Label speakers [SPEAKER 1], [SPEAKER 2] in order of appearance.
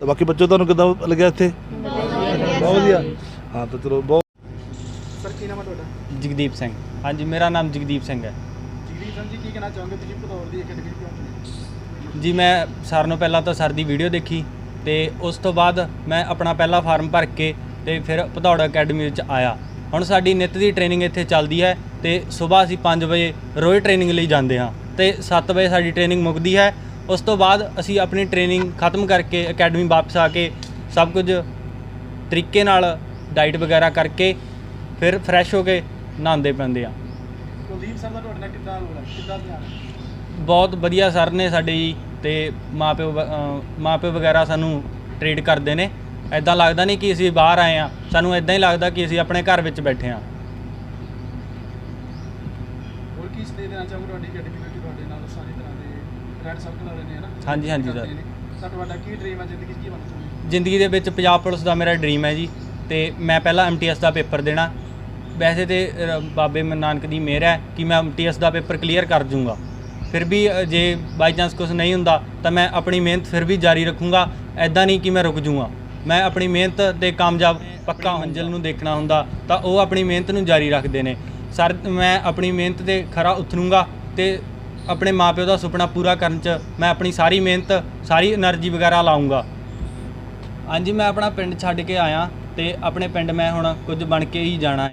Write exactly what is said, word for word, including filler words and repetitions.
[SPEAKER 1] तो बाकी बच्चों तुहानूं किद्दां लग्या इत्थे? बहुत वधिया। हाँ तो चलो बहुत।
[SPEAKER 2] सर की नाम है ਤੁਹਾਡਾ?
[SPEAKER 3] जगदीप सिंह। हाँ जी मेरा नाम जगदीप सिंह है
[SPEAKER 2] ਜਗਦੀਪ ਸਿੰਘ ਜੀ ਕੀ ਕਹਿਣਾ ਚਾਹੋਗੇ ਤੁਸੀਂ ਭਦੌੜ ਦੀ ਅਕੈਡਮੀ ਕਿਉਂ ਚੁਣੀ?
[SPEAKER 3] जी। मैं सारे नालों पहला तो सर दी वीडियो देखी तो उस तो बाद मैं अपना पहला फार्म भर के तो फिर भदौड़ अकैडमी विच आया। हुण साडी नित दी ट्रेनिंग इत्थे चलदी है तो सुबह असीं पाँच बजे रोज़ ट्रेनिंग लई जांदे हां तो सत्त बजे साडी ट्रेनिंग मुकदी है। उस तो बाद असीं अपनी ट्रेनिंग खत्म करके अकैडमी वापस आके सब कुछ तरीके नाल डाइट वगैरह करके फिर फ्रैश हो के नहांदे पैंदे आ।
[SPEAKER 2] ਕੁਲਦੀਪ ਸਰ ਦਾ ਤੁਹਾਡੇ ਨਾਲ ਕਿੱਦਾਂ ਹੋਇਆ ਕਿੱਦਾਂ ਧਿਆਨ?
[SPEAKER 3] बहुत वधिया सर ने साडे जी ते माँ प्यो माँ प्यो वगैरह सानू ट्रीट करते हैं। ऐदां लगदा नहीं कि असीं बाहर आए हाँ, सानू ऐदां ही लगदा कि असीं अपने घर विच बैठे हाँ।
[SPEAKER 2] ਹੋਰ ਕੀ ਸਨੇਹ ਦੇਣਾ ਚਾਹੋਗੇ ਤੁਹਾਡੀ ਅਕੈਡਮੀ ਵਿੱਚ ਤੁਹਾਡੇ ਨਾਲ ਸਾਰੀ ਤਰ੍ਹਾਂ ਦੇ ਫਰੈਂਡ ਸਰਕਲ ਵਾਲੇ ਨੇ ਹੈ ਨਾ?
[SPEAKER 3] हाँ जी हाँ जी सर।
[SPEAKER 2] ਸਰ ਤੁਹਾਡਾ ਕੀ ਡ੍ਰੀਮ ਹੈ ਜ਼ਿੰਦਗੀ 'ਚ ਕੀ ਬਣਨਾ ਚਾਹੁੰਦੇ?
[SPEAKER 3] ਜ਼ਿੰਦਗੀ ਦੇ ਵਿੱਚ ਪੰਜਾਬ ਪੁਲਿਸ ਦਾ ਮੇਰਾ ਡ੍ਰੀਮ ਹੈ ਜੀ ਤੇ ਮੈਂ ਪਹਿਲਾਂ ਐਮ ਟੀ ਐਸ ਦਾ ਪੇਪਰ ਦੇਣਾ। ਵੈਸੇ ਤੇ ਅ, ਬਾਬੇ ਨਾਨਕ ਦੀ ਮਿਹਰ ਹੈ ਕਿ ਮੈਂ ਐਮ ਟੀ ਐਸ ਦਾ ਪੇਪਰ ਕਲੀਅਰ ਕਰ ਜੂੰਗਾ। ਫਿਰ ਵੀ ਅ, ਜੇ ਬਾਈ ਚਾਂਸ ਕੁਛ ਨਹੀਂ ਹੁੰਦਾ ਤਾਂ ਮੈਂ ਆਪਣੀ ਮਿਹਨਤ ਫਿਰ ਵੀ ਜਾਰੀ ਰੱਖੂੰਗਾ। ਐਦਾਂ ਨਹੀਂ ਕਿ ਮੈਂ ਰੁਕ ਜੂੰਗਾ। ਮੈਂ ਆਪਣੀ ਮਿਹਨਤ ਤੇ ਕਾਮਯਾਬ ਪੱਕਾ ਮੰਜ਼ਿਲ ਨੂੰ ਦੇਖਣਾ ਹੁੰਦਾ ਤਾਂ ਉਹ ਆਪਣੀ ਮਿਹਨਤ ਨੂੰ ਜਾਰੀ ਰੱਖਦੇ ਨੇ। ਸਰ ਮੈਂ ਆਪਣੀ ਮਿਹਨਤ ਤੇ ਖਰਾ ਉਤਰੂੰਗਾ ਤੇ ਆਪਣੇ ਮਾਪਿਓ ਦਾ ਸੁਪਨਾ ਪੂਰਾ ਕਰਨ 'ਚ ਮੈਂ ਆਪਣੀ ਸਾਰੀ ਮਿਹਨਤ ਸਾਰੀ એનર્ਜੀ ਵਗੈਰਾ ਲਾਉਂਗਾ। ਹਾਂਜੀ ਮੈਂ ਆਪਣਾ ਪਿੰਡ ਛੱਡ ਕੇ ਆਇਆ ਤੇ ਆਪਣੇ ਪਿੰਡ ਮੈਂ ਹੁਣ ਕੁਝ ਬਣ ਕੇ ਹੀ ਜਾਣਾ।